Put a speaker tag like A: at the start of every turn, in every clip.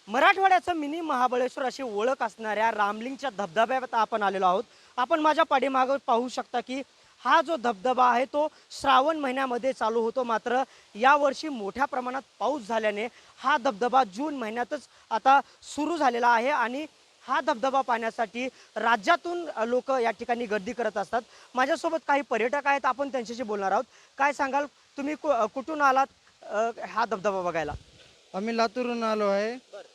A: मराठवाड्याचं mini Mahabaleshwar अशी ओळख असणाऱ्या रामलिंगच्या धबधब्यात आपण आलेलो आहोत. आपण माझ्या पाठीमागे पाहू शकता की हा जो धबधबा आहे तो श्रावण महिन्यामध्ये चालू होतो. मात्र यावर्षी मोठ्या प्रमाणात पाऊस झाल्याने हा धबधबा जून महिन्यातच आता सुरू झालेला आहे आणि हा धबधबा पाहण्यासाठी राज्यातून लोक या ठिकाणी गर्दी करत असतात. माझ्यासोबत काही पर्यटक आहेत, आपण त्यांच्याशी बोलणार आहोत. काय सांगाल, तुम्ही कुठून आलात हा धबधबा बघायला?
B: आम्ही लातूरहून आलो आहे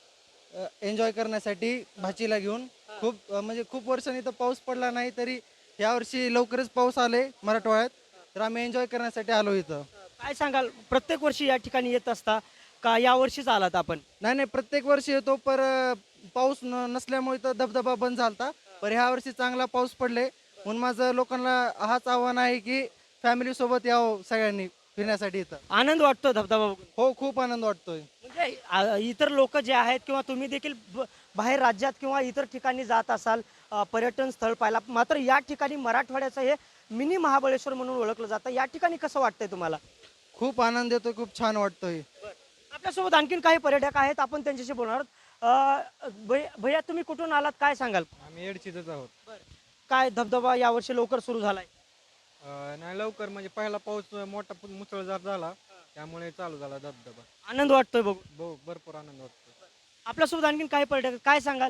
B: एन्जॉय करण्यासाठी भाचीला घेऊन. म्हणजे खूप वर्षांनी तर पाऊस पडला नाही, तरी यावर्षी लवकरच पाऊस आले मराठवाड्यात, तर आम्ही एन्जॉय करण्यासाठी आलो इथं.
A: काय सांगाल, प्रत्येक वर्षी या ठिकाणी येत असता का या वर्षीच आलात आपण?
B: नाही नाही, प्रत्येक वर्षी येतो, पर पाऊस नसल्यामुळे तर धबधबा बंद झालता. पर ह्या वर्षी चांगला पाऊस पडले, म्हणून माझं लोकांना हाच आव्हान आहे की फॅमिली सोबत यावं सगळ्यांनी फिरण्यासाठी इथं.
A: आनंद वाटतो धबधबा बघून?
B: हो, खूप आनंद वाटतोय.
A: म्हणजे इतर लोक जे आहेत किंवा तुम्ही देखील बाहेर राज्यात किंवा इतर ठिकाणी जात असाल पर्यटन स्थळ पाहायला, मात्र या ठिकाणी मराठवाड्याचं हे मिनी महाबळेश्वर म्हणून ओळखलं जातं. या ठिकाणी कसं वाटतंय तुम्हाला?
B: खूप आनंद येतोय, खूप छान वाटतोय.
A: आपल्यासोबत आणखीन काही पर्यटक आहेत, आपण त्यांच्याशी बोलणार आहोत. भैया, तुम्ही कुठून आलात, काय सांगाल?
C: आम्ही एडचीतच आहोत.
A: काय धबधबा यावर्षी लवकर सुरू झालाय?
C: नाही लवकर म्हणजे पहिला पाऊस मोठा मुसळधार झाला, त्यामुळे चालू झाला धबधबा.
A: आनंद वाटतोय बघून?
C: भरपूर आनंद वाटतो.
A: आपल्यासोबत आणखीन काही पर्यटक, काय सांगाल?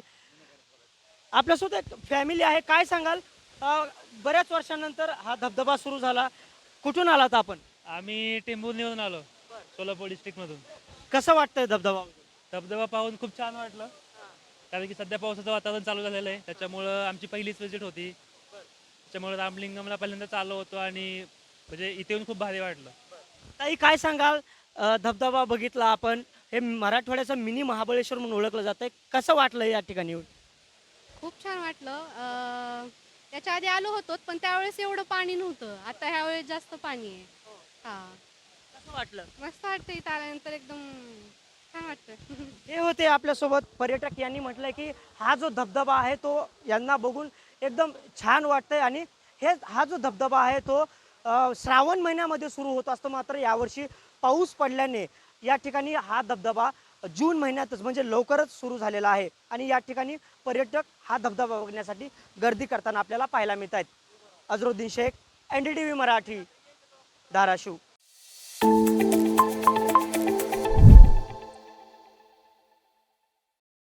A: आपल्यासोबत एक फॅमिली आहे, काय सांगाल? बऱ्याच वर्षानंतर हा धबधबा सुरू झाला, कुठून आलात आपण?
D: आम्ही टेंभुर्णीवरून आलो, सोलापूर डिस्ट्रिक्टमधून.
A: कसं वाटतंय धबधबा?
D: धबधबा पाहून खूप छान वाटलं, कारण की सध्या पावसाचं वातावरण चालू झालेलं आहे, त्याच्यामुळं आमची पहिलीच विजिट होती. त्याच्यामुळे रामलिंगमला पहिल्यांदा चाललो होतो आणि म्हणजे इथे येऊन खूप भारी वाटलं.
A: ताई, काय सांगाल? धबधबा बघितला आपण, हे मराठवाड्याचं मिनी महाबळेश्वर म्हणून ओळखलं जातंय, कसं वाटलं या ठिकाणी येऊन?
E: खूप छान वाटलं. त्याच्या आधी आलो होतो, पण त्यावेळेस एवढं पाणी नव्हतं. आता ह्या वेळेस जास्त पाणी आहे. हां,
A: कसं वाटलं?
E: मस्त वाटतं इथं आल्यानंतर, एकदम छान वाटतं.
A: हे होते आपल्यासोबत पर्यटक, यांनी म्हटलंय की हा जो धबधबा आहे तो यांना बघून एकदम छान वाटतंय आणि हा जो धबधबा आहे तो श्रावण महिन्यामध्ये सुरू होत असतो. मात्र यावर्षी पाऊस पडल्याने या ठिकाणी हा धबधबा जून महिन्यातच म्हणजे लवकरच सुरू झालेला आहे आणि या ठिकाणी पर्यटक हा धबधबा बघण्यासाठी गर्दी करताना आपल्याला पाहायला मिळत आहेत. अझरुद्दीन शेख, NDTV मराठी, धाराशिव.